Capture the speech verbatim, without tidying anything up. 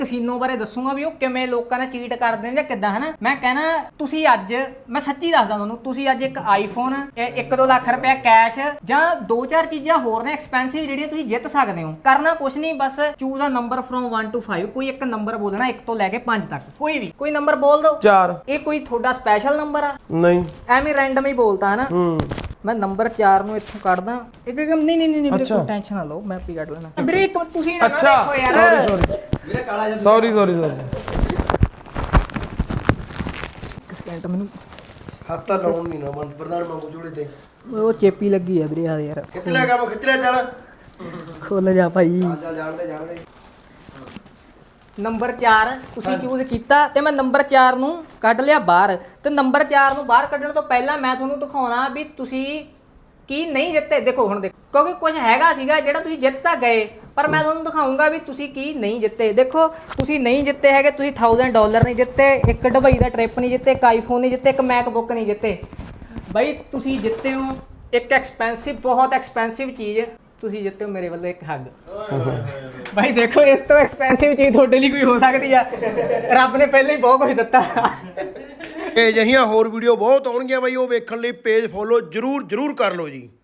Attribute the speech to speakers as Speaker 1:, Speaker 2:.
Speaker 1: Casino ਬਾਰੇ ਦੱਸੂਗਾ ਵੀ ਉਹ ਕਿਵੇਂ ਲੋਕਾਂ ਨੇ ਚੀਟ ਕਰਦੇ ਨੇ ਜਾਂ ਕਿੱਦਾਂ ਹਨਾ। ਮੈਂ ਕਹਿਣਾ ਤੁਸੀਂ ਅੱਜ ਮੈਂ ਸੱਚੀ ਦੱਸਦਾ ਤੁਹਾਨੂੰ, ਤੁਸੀਂ ਅੱਜ ਇੱਕ ਆਈਫੋਨ ਇੱਕ ਦੋ ਲੱਖ ਰੁਪਇਆ ਕੈਸ਼ ਜਾਂ ਦੋ ਚਾਰ ਚੀਜ਼ਾਂ ਹੋਰ ਨੇ ਐਕਸਪੈਂਸਿਵ ਜਿਹੜੀਆਂ ਤੁਸੀਂ ਜਿੱਤ ਸਕਦੇ ਹੋ। ਕਰਨਾ ਕੁਛ ਨਹੀਂ, ਬਸ choose a number from one two five. ਕੋਈ ਇੱਕ ਨੰਬਰ ਬੋਲਣਾ ਇੱਕ ਤੋਂ ਲੈ ਕੇ ਪੰਜ ਤੱਕ, ਕੋਈ ਵੀ ਕੋਈ ਨੰਬਰ ਬੋਲ ਦਿਓ।
Speaker 2: ਚਾਰ।
Speaker 1: ਇਹ ਕੋਈ ਤੁਹਾਡਾ ਸਪੈਸ਼ਲ ਨੰਬਰ ਆ?
Speaker 2: ਨਹੀਂ,
Speaker 1: ਐਵੇਂ ਰੈਂਡਮ ਹੀ ਬੋਲਤਾ ਹਨਾ।
Speaker 2: ਹੂੰ
Speaker 1: ਮੈਂ ਨੰਬਰ ਚਾਰ ਨੂੰ ਇੱਥੋਂ ਕੱਢਦਾ। ਇੱਕ ਇੱਕ ਨਹੀਂ ਨਹੀਂ ਨਹੀਂ ਵੀਰੇ ਕੋਈ ਟੈਨਸ਼ਨ ਨਾ ਲਓ, ਮੈਂ ਆਪੇ ਕੱਢ ਲੈਣਾ ਵੀਰੇ। ਤੁਸੀਂ ਨਾ ਦੇਖੋ ਯਾਰ
Speaker 2: ਵੀਰੇ ਕਾਲਾ ਜਿਹਾ ਸੌਰੀ ਸੌਰੀ ਸੌਰੀ
Speaker 1: ਇੱਕ ਸਕਿੰਟ ਮੈਨੂੰ
Speaker 3: ਹੱਥ ਲਾਉਣ ਨਹੀਂ ਨਾ ਮਨ ਪ੍ਰਧਾਨ ਮੰਗੂ ਜੋੜੇ ਤੇ
Speaker 1: ਉਹ ਚੇਪੀ ਲੱਗੀ ਆ ਵੀਰੇ ਆ ਯਾਰ।
Speaker 3: ਖਿੱਚ ਲਿਆ ਕੰਮ ਖਿੱਚ ਲਿਆ ਚੱਲ
Speaker 1: ਖੋਲ ਜਾ ਭਾਈ।
Speaker 3: ਚੱਲ ਜਾਣਦੇ ਜਾਣਦੇ
Speaker 1: ਨੰਬਰ ਚਾਰ ਤੁਸੀਂ ਚੂਜ਼ ਕੀਤਾ ਤੇ ਮੈਂ ਨੰਬਰ ਚਾਰ ਨੂੰ ਕੱਢ ਲਿਆ ਬਾਹਰ। ਤੇ ਨੰਬਰ ਚਾਰ ਨੂੰ ਬਾਹਰ ਕੱਢਣ ਤੋਂ ਪਹਿਲਾਂ ਮੈਂ ਤੁਹਾਨੂੰ ਦਿਖਾਉਣਾ ਵੀ ਤੁਸੀਂ ਕੀ ਨਹੀਂ ਜਿੱਤੇ। ਦੇਖੋ ਹੁਣ ਦੇਖੋ, ਕਿਉਂਕਿ ਕੁਝ ਹੈਗਾ ਸੀਗਾ ਜਿਹੜਾ ਤੁਸੀਂ ਜਿੱਤ ਤਾਂ ਗਏ, ਪਰ ਮੈਂ ਤੁਹਾਨੂੰ ਦਿਖਾਉਂਗਾ ਵੀ ਤੁਸੀਂ ਕੀ ਨਹੀਂ ਜਿੱਤੇ। ਦੇਖੋ ਤੁਸੀਂ ਨਹੀਂ ਜਿੱਤੇ ਹੈਗੇ, ਤੁਸੀਂ ਥਾਊਜ਼ੈਂਡ ਡਾਲਰ ਨਹੀਂ ਜਿੱਤੇ, ਇੱਕ ਦੁਬਈ ਦਾ ਟ੍ਰਿਪ ਨਹੀਂ ਜਿੱਤੇ, ਇੱਕ ਆਈਫੋਨ ਨਹੀਂ ਜਿੱਤੇ, ਇੱਕ ਮੈਕਬੁੱਕ ਨਹੀਂ ਜਿੱਤੇ। ਬਈ ਤੁਸੀਂ ਜਿੱਤੇ ਹੋ ਇੱਕ ਐਕਸਪੈਂਸਿਵ, ਬਹੁਤ ਐਕਸਪੈਂਸਿਵ ਚੀਜ਼ ਤੁਸੀਂ ਜਿੱਤੇ ਹੋ ਮੇਰੇ ਵੱਲੋਂ ਇੱਕ ਹੱਗ। ਭਾਈ ਦੇਖੋ ਇਸ ਤੋਂ ਐਕਸਪੈਂਸਿਵ ਚੀਜ਼ ਤੁਹਾਡੇ ਲਈ ਕੋਈ ਹੋ ਸਕਦੀ ਆ? ਰੱਬ ਨੇ ਪਹਿਲਾਂ ਹੀ ਬਹੁਤ ਕੁਝ ਦਿੱਤਾ।
Speaker 3: ਇਹ ਜਿਹੀਆਂ ਹੋਰ ਵੀਡੀਓ ਬਹੁਤ ਆਉਣਗੀਆਂ ਬਾਈ, ਉਹ ਵੇਖਣ ਲਈ ਪੇਜ ਫੋਲੋ ਜਰੂਰ ਜਰੂਰ ਕਰ ਲਓ ਜੀ।